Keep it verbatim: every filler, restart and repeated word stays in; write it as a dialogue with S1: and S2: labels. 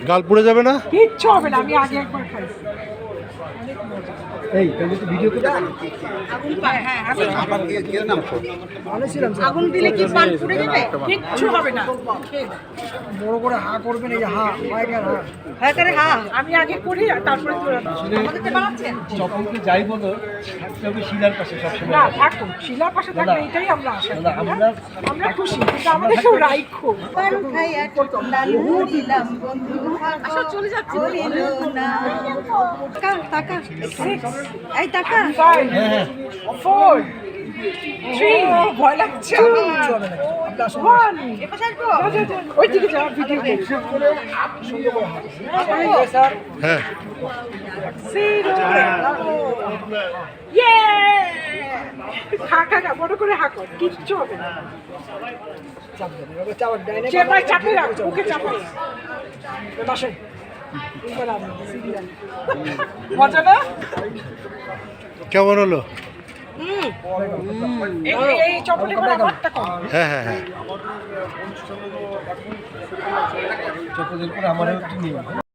S1: গাল পুড়ে যাবে না?
S2: কিচ্ছু হবে না, আমি আগে একবার খাইছি।
S3: এই তাহলে তো ভিডিও করে
S2: আগুন পায়, হ্যাঁ আগুন
S3: আবার কি কি নাম তো বলেছিলাম
S2: আগুন দিলে কি পান পুড়ে যাবে? কিচ্ছু হবে না।
S3: বড় করে হা করবেন, এই যে হা মাইকার হা
S2: হ্যাঁ করে হ্যাঁ আমি আগে করি আর তারপরে তোরা আমাদেরকে বানাচ্ছেন।
S3: যখনকে যাই বলো থাকতে হবে শিলার পাশে সবসময়।
S2: না থাকুন, শিলার পাশে থাকবে, এটাই আমরা আশা করি।
S3: আমরা
S2: আমরা খুশি, কিন্তু আমাদের কেউ রাইখো। আচ্ছা চলে যাচ্ছি। টাকা এই টাকা ফাইভ ফোর থ্রি ভয় লাগছে ওয়ান ওই দিকে যাওয়ার ভিডিও
S1: হ্যাঁ
S2: ইয়ে খা খা খা বড় করে হাঁকো, কিচ্ছু হবে না। চেপাই চাপে রাখ, ওকে চাপাই বসে। মজা না?
S1: কেমন হলো?
S2: এই চকলেট করে আমারটা কম।
S1: হ্যাঁ হ্যাঁ হ্যাঁ
S3: চকলেটের পরে আমারও একটু নিয়ে